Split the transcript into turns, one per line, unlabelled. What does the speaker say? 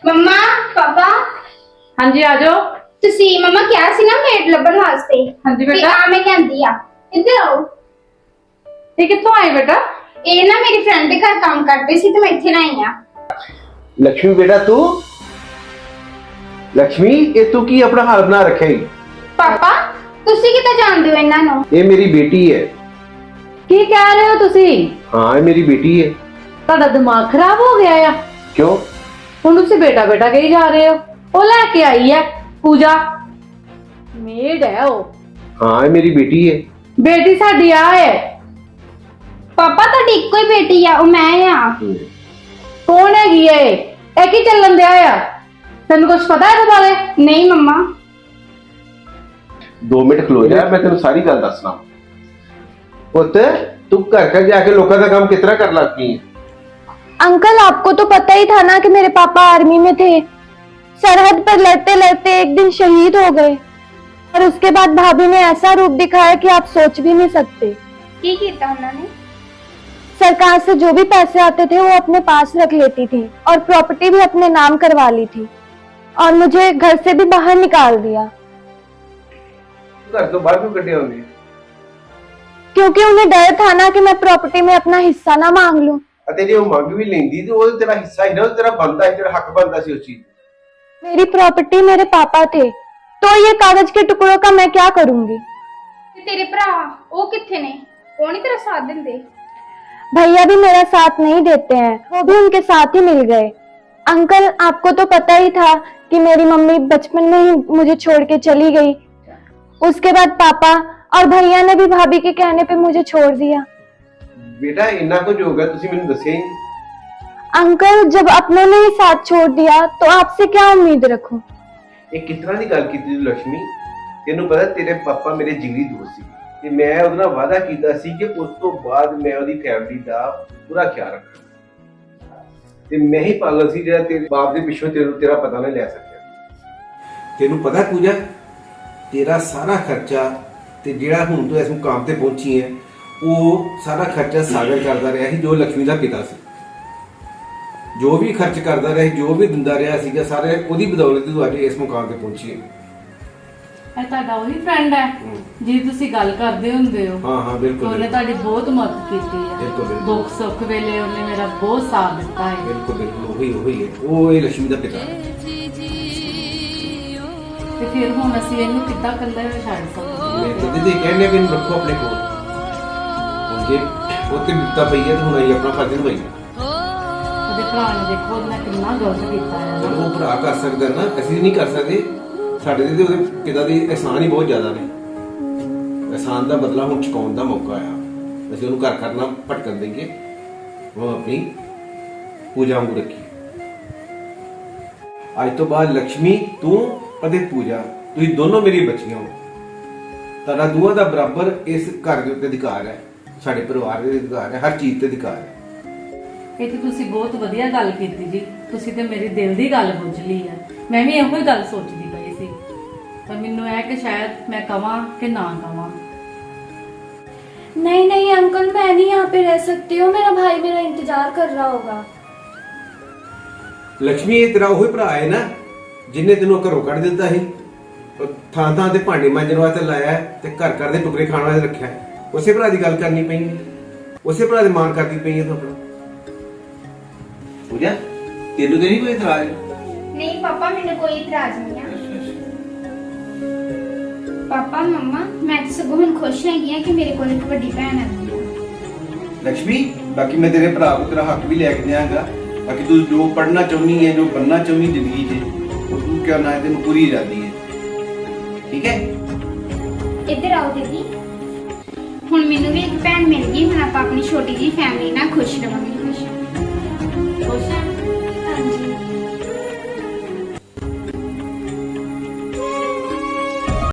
मम्मा पापा
हाँ जी आ जाओ।
तुसी मम्मा क्या सी ना मेड लभन वास्ते।
हाँ जी बेटा।
आ मैं कहंदी आ इधर आओ।
ये कित्थों आए बेटा?
ये ना मेरी फ्रेंड के घर काम करते सी तो मैं इत्थे ना आई आ।
लक्ष्मी बेटा तू लक्ष्मी ये तू की अपना हाल बना रखे ही?
पापा तुसी किते जानदे हो इन्हां नु?
ये मेरी बेटी है।
की कह रहे हो तुसी?
हाँ ये मेरी बेटी है।
ਤੁਹਾਡਾ ਦਿਮਾਗ ਖਰਾਬ ਹੋ ਗਿਆ ਆ?
क्यों?
ਹੁਣ ਤੁਸੀਂ ਬੇਟਾ ਬੇਟਾ ਕਹੀ ਜਾ ਰਹੇ ਹੋ। ਉਹ ਲੈ ਕੇ ਆਈ ਹੈ ਪੂਜਾ, ਮੇਡ ਹੈ ਉਹ।
हाँ ये मेरी बेटी है।
ਬੇਟੀ ਸਾਡੀ ਆ ਹੈ।
पापा ਤੁਹਾਡੀ ਇੱਕੋ ਹੀ ਬੇਟੀ ਆ ਉਹ ਮੈਂ ਆ।
ਕੌਣ ਹੈਗੀ ਹੈ ਇਹ ਕੀ ਚੱਲਣ ਦਿਆ ਆ? ਤੈਨੂੰ ਕੁਝ ਪਤਾ ਹੈ ਇਹਦੇ ਬਾਰੇ?
नहीं मम्मा
2 मिनट खलो जा मैं तेन सारी गल दसना। पुत तू घर जाके लोगों का काम कितना कर लगती है?
अंकल आपको तो पता ही था ना कि मेरे पापा आर्मी में थे। सरहद पर लड़ते लड़ते एक दिन शहीद हो गए और उसके बाद भाभी ने ऐसा रूप दिखाया कि आप सोच भी नहीं सकते।
की कीता उन्होंने?
सरकार से जो भी पैसे आते थे वो अपने पास रख लेती थी और प्रॉपर्टी भी अपने नाम करवा ली थी और मुझे घर से भी बाहर निकाल दिया
घर तो बाहर क्यों कटे होंगे?
क्योंकि उन्हें डर था ना कि मैं प्रॉपर्टी में अपना हिस्सा ना मांग लूं।
तेरी वो मंग भी लेंदी तो वो तेरा हिस्सा ही ना, तेरा बनता है, तेरा हक बनता सी उस चीज।
मेरी प्रॉपर्टी मेरे पापा थे तो ये कागज के टुकड़ों का मैं क्या करूंगी?
ते तेरे भरा वो किथे ने? कौन ही तेरा साथ देंदे?
भैया भी मेरा साथ नहीं देते हैं, वो भी उनके साथ ही मिल गए। अंकल आपको तो पता ही था कि मेरी मम्मी बचपन में ही मुझे छोड़ के चली गई। उसके बाद पापा और भैया ने भी भाभी के कहने पे मुझे छोड़ दिया।
बेटा इन्ना कुछ हो गया तुसी मैंने दसिया ही नहीं।
अंकल जब अपनों ने ही साथ छोड़ दिया तो आपसे क्या उम्मीद रखूं?
ये कितना दी गल कीती तू लक्ष्मी? तेनू पता तेरे पापा मेरे जिगरी दोस्त सी ते मैं ਉਹਦੇ ਨਾਲ ਵਾਅਦਾ ਕੀਤਾ ਸੀ ਕਿ ਉਸ ਤੋਂ ਬਾਅਦ ਮੈਂ ਉਹਦੀ ਫੈਮਿਲੀ ਦਾ ਪੂਰਾ ਖਿਆਲ ਰੱਖਾਂ ਤੇ ਮੈਂ ਹੀ ਪਾਗਲ ਸੀ ਜਿਹੜਾ ਤੇਰੇ ਬਾਪ ਦੇ ਪਿੱਛੋਂ ਤੇਰਾ ਪਤਾ ਨਹੀਂ ਲੈ ਸਕਿਆ। ਤੈਨੂੰ ਪਤਾ ਪੂਜਾ ਤੇਰਾ ਸਾਰਾ ਖਰਚਾ ਤੇ ਜਿਹੜਾ ਹੁਣ ਤੂੰ ਇਸ ਮੁਕਾਮ ਤੇ ਪਹੁੰਚੀ ਹੈ ਉਹ ਸਾਰਾ ਖਰਚਾ ਸਾਗਰ ਕਰਦਾ ਰਿਹਾ ਸੀ ਜੋ ਲక్ష్ਮੀ ਦਾ ਪਿਤਾ ਸੀ। ਜੋ ਵੀ ਖਰਚ ਕਰਦਾ ਰਿਹਾ ਜੋ ਵੀ ਦਿੰਦਾ ਰਿਹਾ ਸੀਗਾ ਸਾਰੇ ਉਹਦੀ ਬਦੌਲਤ ਤੂੰ ਅੱਜ ਇਸ ਮੁਕਾਮ ਤੇ ਪਹੁੰਚੀ ਹੈ।
ਇਹ ਤੁਹਾਡਾ ਉਹੀ ਫਰੈਂਡ ਹੈ ਜੀ ਤੁਸੀਂ ਗੱਲ ਕਰਦੇ ਹੁੰਦੇ ਹੋ?
ਹਾਂ ਹਾਂ ਬਿਲਕੁਲ।
ਉਹਨੇ ਤੁਹਾਡੀ ਬਹੁਤ ਮਦਦ ਕੀਤੀ ਹੈ।
ਬਿਲਕੁਲ, ਬਿਲਕੁਲ।
ਦੁੱਖ ਸੁੱਖ ਵੇਲੇ ਉਹਨੇ ਮੇਰਾ ਬਹੁਤ ਸਾਥ ਦਿੱਤਾ ਹੈ।
ਬਿਲਕੁਲ ਬਿਲਕੁਲ ਉਹੀ ਹੈ ਉਹ ਇਹ ਲక్ష్ਮੀ ਦਾ ਪਿਤਾ ਹੈ।
ਤੇ ਫਿਰ ਹੁਣ ਅਸੀਂ ਇਹਨੂੰ ਕਿੱਦਾਂ ਇਕੱਲੇ ਛੱਡ ਸਕਦੇ?
ਮੈਂ ਕਦੇ ਦੇ ਕਹਿੰਦੇ ਵੀ ਇਹਨੂੰ ਰੱਖੋ ਆਪਣੇ ਕੋਲ। ਹੁਣ ਜੇ ਉਹ ਤੇ ਬਿਪਤਾ ਪਈ ਹੈ ਤਾਂ ਹੁਣ ਅਸੀਂ ਆਪਣਾ ਫਰਜ਼ ਨਿਭਾਈਏ।
ਉਹਦੇ ਭਰਾ ਨੇ ਦੇਖੋ ਉਹਨੇ ਕਿੰਨਾ ਗਲਤ ਕੀਤਾ ਹੈ ਨਾ।
ਉਹ ਭਰਾ ਕਰ ਸਕਦਾ ਨਾ ਅਸੀਂ ਨਹੀਂ ਕਰ ਸਕਦੇ। ਸਾਡੇ ਤੇ ਉਹਦੇ ਪਿਤਾ ਦੇ ਅਹਿਸਾਨ ਹੀ ਬਹੁਤ ਜ਼ਿਆਦਾ ਨੇ। ਅਹਿਸਾਨ ਦਾ ਬਦਲਾ ਹੁਣ ਚੁਕਾਉਣ ਦਾ ਮੌਕਾ ਆਇਆ। ਅਸੀਂ ਉਹਨੂੰ ਘਰ ਕਰਨਾ ਭਟਕਣ ਦੇਂਗੇ ਉਹ ਆਪਣੀ ਪੂਜਾ ਵਾਂਗੂ ਰੱਖੀ। ਅੱਜ ਤੋਂ ਬਾਅਦ ਲక్ష్ਮੀ ਤੂੰ ਅਤੇ ਪੂਜਾ ਤੁਸੀਂ ਦੋਨੋਂ ਮੇਰੀ ਬੱਚੀਆਂ ਹੋ। ਤੁਹਾਡਾ ਦੋਵਾਂ ਦਾ ਬਰਾਬਰ ਇਸ ਘਰ ਦੇ ਉੱਤੇ ਅਧਿਕਾਰ ਹੈ, ਸਾਡੇ ਪਰਿਵਾਰ ਦੇ ਅਧਿਕਾਰ ਹੈ, ਹਰ ਚੀਜ਼ ਤੇ ਅਧਿਕਾਰ ਹੈ।
ਇਹ ਤੇ ਤੁਸੀਂ ਬਹੁਤ ਵਧੀਆ ਗੱਲ ਕੀਤੀ ਜੀ। ਤੁਸੀਂ ਤੇ ਮੇਰੀ ਦਿਲ ਦੀ ਗੱਲ ਬੁੱਝ ਲਈ ਹੈ। ਮੈਂ ਵੀ ਇਹੋ ਹੀ ਗੱਲ ਸੋਚਦੀ ਪਈ ਸੀ ਪਰ ਮੈਨੂੰ ਇਹ ਕਿ ਸ਼ਾਇਦ ਮੈਂ ਕਵਾਂ ਕਿ ਨਾ ਕਵਾਂ।
नहीं नहीं अंकल मैं नहीं यहाँ पे रह सकती हूँ, मेरा भाई मेरा इंतजार कर रहा होगा।
ਲక్ష్ਮੀ ਇਹ ਤੇਰਾ ਉਹੀ ਭਰਾ ਹੈ ਨਾ ਜਿੰਨੇ ਤੈਨੂੰ ਘਰੋਂ ਕੱਢ ਦਿੱਤਾ ਸੀ, ਥਾਂ ਥਾਂ ਤੇ ਭਾਂਡੇ ਮਾਂਜਣ ਵਾਸਤੇ ਲਾਇਆ ਤੇ ਘਰ ਘਰ ਦੇ ਟੁਕੜੇ ਖਾਣ ਵਾਸਤੇ ਰੱਖਿਆ। ਉਸੇ ਭਰਾ ਦੀ ਗੱਲ ਕਰਨੀ ਪਈ ਹੈ, ਉਸੇ ਭਰਾ ਦੇ ਮਾਨ ਕਰਦੀ ਪਈ ਹੈ ਤੂੰ ਆਪਣਾ। ਪੂਜਾ ਤੈਨੂੰ ਤੇ ਨਹੀਂ ਕੋਈ ਇਤਰਾਜ਼?
नहीं पापा मैंने कोई इतराज नहीं है। पापा मम्मा मैं तो सगों हुण खुश हैगी कि मेरे कोल एक बड़ी भैन है।
लक्ष्मी बाकी मैं तेरे भरा को तेरा हक भी लेके देंगा। बाकी तू जो पढ़ना चाहनी है जो बनना चाहनी जिंदगी च वो तू क्या ना है तेन पूरी आजादी है, ठीक है?
इधर आओ दीदी। हुण मैनू भी एक भैन मिल गई। हुण आपां अपनी छोटी जी फैमिली नाल खुश रवांगे। खुश
खुश है